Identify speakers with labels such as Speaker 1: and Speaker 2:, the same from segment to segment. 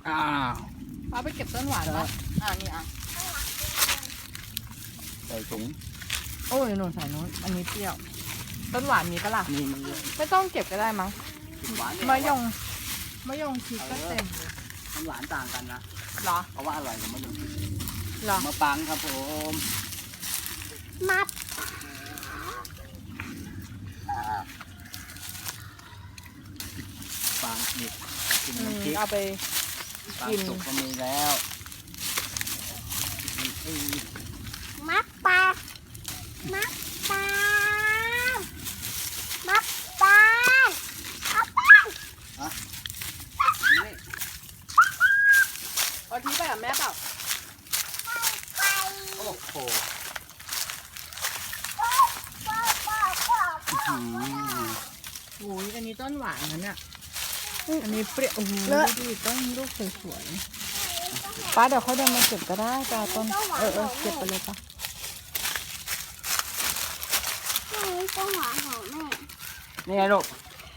Speaker 1: อ้าว
Speaker 2: ป้าไปเก็บต้นหวานปะนี่
Speaker 1: ใส่ถุง
Speaker 2: โอ้ยหนูใส่นู้นอันนี้เปรี้ยวต้นหวานมีปะล่ะ
Speaker 1: มี
Speaker 2: ไม่ต้องเก็บก็ได้มั้ง
Speaker 1: หวาน
Speaker 2: มะยงชิดก็เต็มเลย
Speaker 1: มันหวานต่างกันนะ
Speaker 2: เหรอ
Speaker 1: เพราะว่าอร่อยกว่ามะยงชิด
Speaker 2: เหรอ
Speaker 1: มะปังครับผม
Speaker 3: มัด
Speaker 1: ปังนี่กินน้ำพริก
Speaker 2: เอาไป
Speaker 1: ปัง
Speaker 2: กิน
Speaker 1: สุกก็มีแล้ว
Speaker 3: มัดปลามัดปลามัดปลาเอาไป
Speaker 1: นี่
Speaker 2: เอาทิ้งไปกับแม่เปล่า
Speaker 3: ไป
Speaker 1: โอ้โห
Speaker 2: โอ้ยอันนี้ต้นหวานนะเนี่ยอันนี้เปรี้ยวโอ้โหดูดิต้นลูกสวยๆป้าเดี๋ยวเขาเดินมาเก็บก็ได้จ้าต้นเก็บไปเลยป้า
Speaker 3: นี่ก็หวานของแม่
Speaker 1: นี่ไงลูก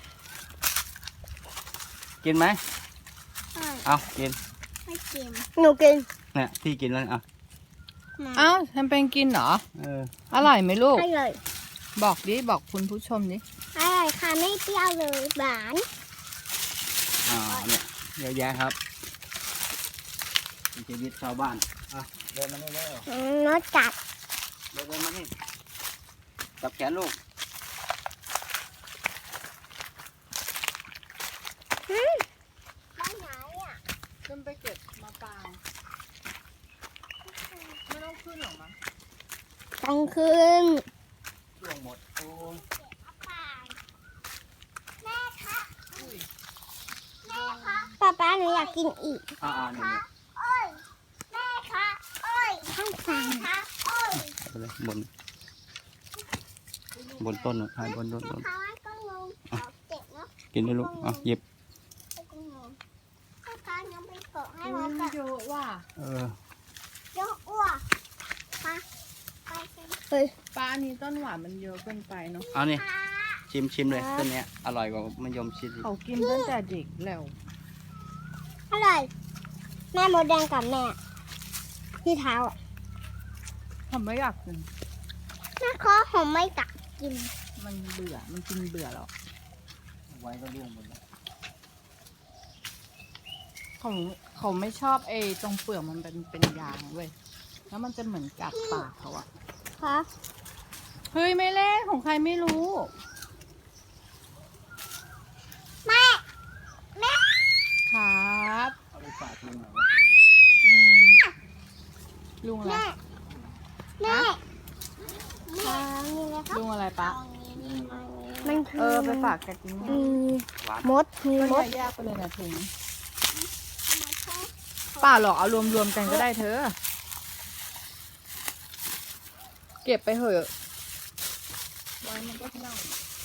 Speaker 1: กินไหมเอากิน
Speaker 3: ไม่กินหนูกิน
Speaker 1: เนี่ยพี่กินแล้วเอา
Speaker 2: อ้าวทำเป็นกินเหรอ
Speaker 1: เออ
Speaker 2: อร่อยไหมลูก
Speaker 3: อร่อย
Speaker 2: บอกดิบอกคุณผู้ชมดิ
Speaker 3: อร่อยค่ะไม่เปรี้ยวเลยหวาน
Speaker 1: เนี่ยเยอะแยะครับชีวิตชาวบ้านอ่ะเดินมานี่เร็ว
Speaker 3: รสจัด
Speaker 1: เดินมานี่จับแขนลูก
Speaker 3: ไปไหนอ่ะ
Speaker 2: ขึ้นไปเก็บมาปางไม่ต้องขึ้นหรอกมั้ง
Speaker 3: ต้องคืน
Speaker 1: ช่วงหมดโอ้ย
Speaker 3: แม่คะแม่คะป๊าหนูอยากกินอีก
Speaker 1: นี่
Speaker 3: โอ้ยแม่คะโอ้ยข้างซ้ายคะโอ้ย
Speaker 1: เอาไปเลยบนต้นหายบนต้น
Speaker 3: แม่คะก็งงเจ็บเนาะ
Speaker 1: กินได้ลูกหยิบ
Speaker 3: ก็งงแม่คะยังไปเกาะให้
Speaker 2: มั
Speaker 3: มัน
Speaker 2: น
Speaker 3: แบบ
Speaker 2: เยอะว่ะ
Speaker 3: เยอะอ้วกมาไปกันเฮ้ย
Speaker 2: ป้าอันนี้ต้นหวานมันเยอะเกินไปเนาะ
Speaker 1: เอานี่ชิมเลยต้นเนี้ยอร่อยกว่ามะยมชิดอีก
Speaker 2: เขากินตั้งแต่เด็กแล้ว
Speaker 3: อร่อยแม่มดแดงกับแม่ที่เท้าอ่ะ
Speaker 2: ทำไม่อยากกิน
Speaker 3: แม่ขอหอมไม่กัดกิน
Speaker 2: มันเบื่อมันกินเบื่อแล้ว
Speaker 1: ไว้ก็ร่วงหมดแล้ว
Speaker 2: เขาไม่ชอบไอ้ตรงเปลือกมันเป็นยางเว้ยแล้วมันจะเหมือนกัดปากเขาอะ
Speaker 3: คะ
Speaker 2: เฮ้ยไม่เล่นของใครไม่รู้
Speaker 3: แม่แม่
Speaker 2: ครับ
Speaker 1: เอาไปฝากลุงหน่อย
Speaker 2: อืมลุงอะไร
Speaker 3: แม่แม่นี่เลยครับ
Speaker 2: ลุงอะไรปะ
Speaker 3: มันคือ
Speaker 2: ไปฝากกันกิน
Speaker 3: มีมดมี
Speaker 2: ก็
Speaker 3: มด
Speaker 2: แยกไปเลยนะถุงป่าหรอกเอารวมๆกันก็ได้เธอ เก็บไปเถอะไว้มันก็เน่า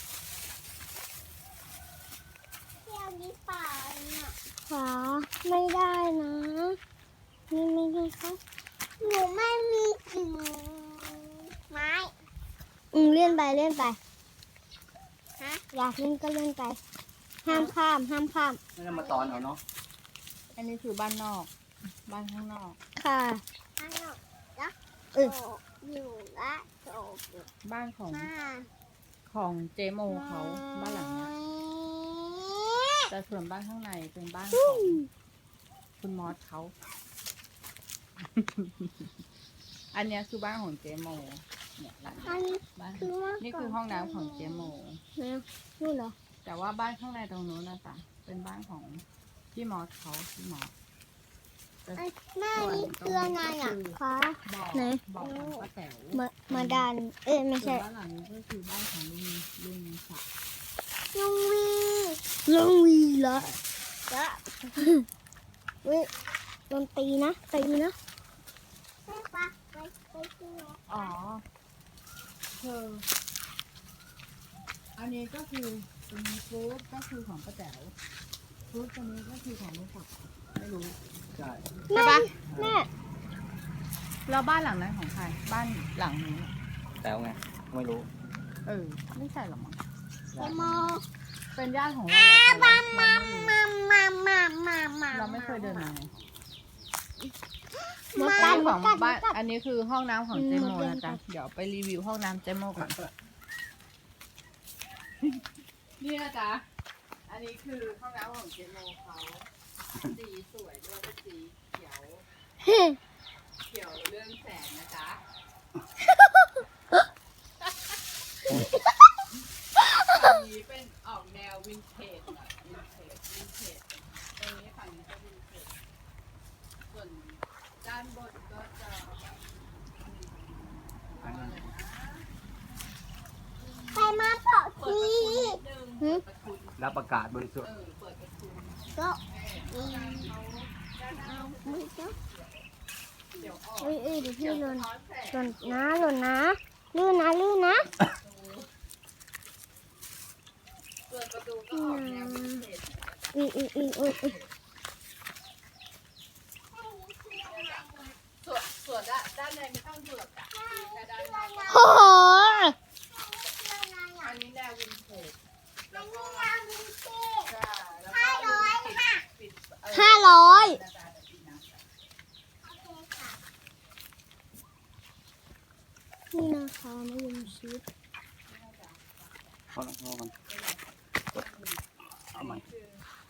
Speaker 3: เที่ยวนี้ป่าเนี่ยขาไม่ได้นะนี่ไม่ได้ครับหนูไม่มีกิ่งไม้เลื่อนไปฮะอยากเล่นก็เล่นไปห้ามข้าม
Speaker 1: ไม่ต้องมาตอนเอาเนาะ
Speaker 2: อันนี้คือบ้านนอก บ้านข้างนอก
Speaker 3: ค่ะข้างนอกแล้วอยู่ละโจบอยู่
Speaker 2: บ้านของ
Speaker 3: มา
Speaker 2: เจโมเขาบ้านหลังเนี้ยแต่ส่วนบ้านข้างในเป็นบ้านของคุณมอสเขา อันเนี้ยคือบ้านของเจโมเนี่ยหลัง
Speaker 3: อันนี้
Speaker 2: บ้าน
Speaker 3: คือว่า
Speaker 2: นี่คือห้องน้ำของเจโม
Speaker 3: นี่เหรอ
Speaker 2: แต่ว่าบ้านข้างในตรงนู้นนะจ๊ะเป็นบ้านของพี่มอสเขาพี่มอส
Speaker 3: แม่นี่คืออะไรอ่ะคะ
Speaker 2: บอก
Speaker 3: ไหน
Speaker 2: บอกของป้าแต๋ว
Speaker 3: มาดันไม่
Speaker 2: ส่ว
Speaker 3: ใช่
Speaker 2: นบ้านหลังนี้ก็คือบ้านของลุงศักดิ์
Speaker 3: ลุงวีเหรอจะเว้ยโดนตีนะไปตี
Speaker 2: อ๋อคืออันนี้ก็คือเป็นฟรุตก็คือของป้าแต๋วฟรุตตัวนี้ก็คือของลุงศักดิ์ไม่รู้
Speaker 1: ใช่
Speaker 2: ใช่ปะ
Speaker 3: แม่
Speaker 2: แล้วบ้านหลังนั้นของใครบ้านหลังนี้
Speaker 1: แต่ไงไม่รู้
Speaker 2: ไม่ใช่หรอกมั้ง
Speaker 3: เจโม
Speaker 2: เป็นญาติของเราแต่เราไม่เคยเดินมา
Speaker 3: หมด
Speaker 2: อั
Speaker 3: กัน
Speaker 2: นนี้
Speaker 3: หม
Speaker 2: ขอ
Speaker 3: ด
Speaker 2: ง
Speaker 3: กัน
Speaker 2: บ้านอันนี้คือห้องน้ำของเจโมนะจ๊ะเดี๋ยวไปรีวิวห้องน้ำเจโมก่อนนี่นะจ๊ะอันนี้คือห้องน้ำของเจโมเขาสีสวยด้วยเป็นสีเขียวเรื่องแสงนะจ๊ะฝั่งนี้เป็นออกแนววินเทจหน่อยวินเทจตรงนี้ฝั่งนี้ก็วินเทจส่วนด้านบนก็จะ
Speaker 3: ไปมาเปาะที
Speaker 1: รับอากาศบริสุทธิ์
Speaker 3: ก็มือจ้ะเอ้ยเดี๋ยวพี่หล่นนะลื่นนะลื่นนะ
Speaker 2: เปิดประตูก็ออกแนววินเทจ ส่วนด้านในไม่ต้องเปิดอ่ะแค่ด้านใน
Speaker 3: โอ้โห
Speaker 2: อันนี้แนววินเทจแล้วก็ ปิด
Speaker 3: 500นี่นะคะมะยมชิด
Speaker 1: พอแล้วเอาใหม่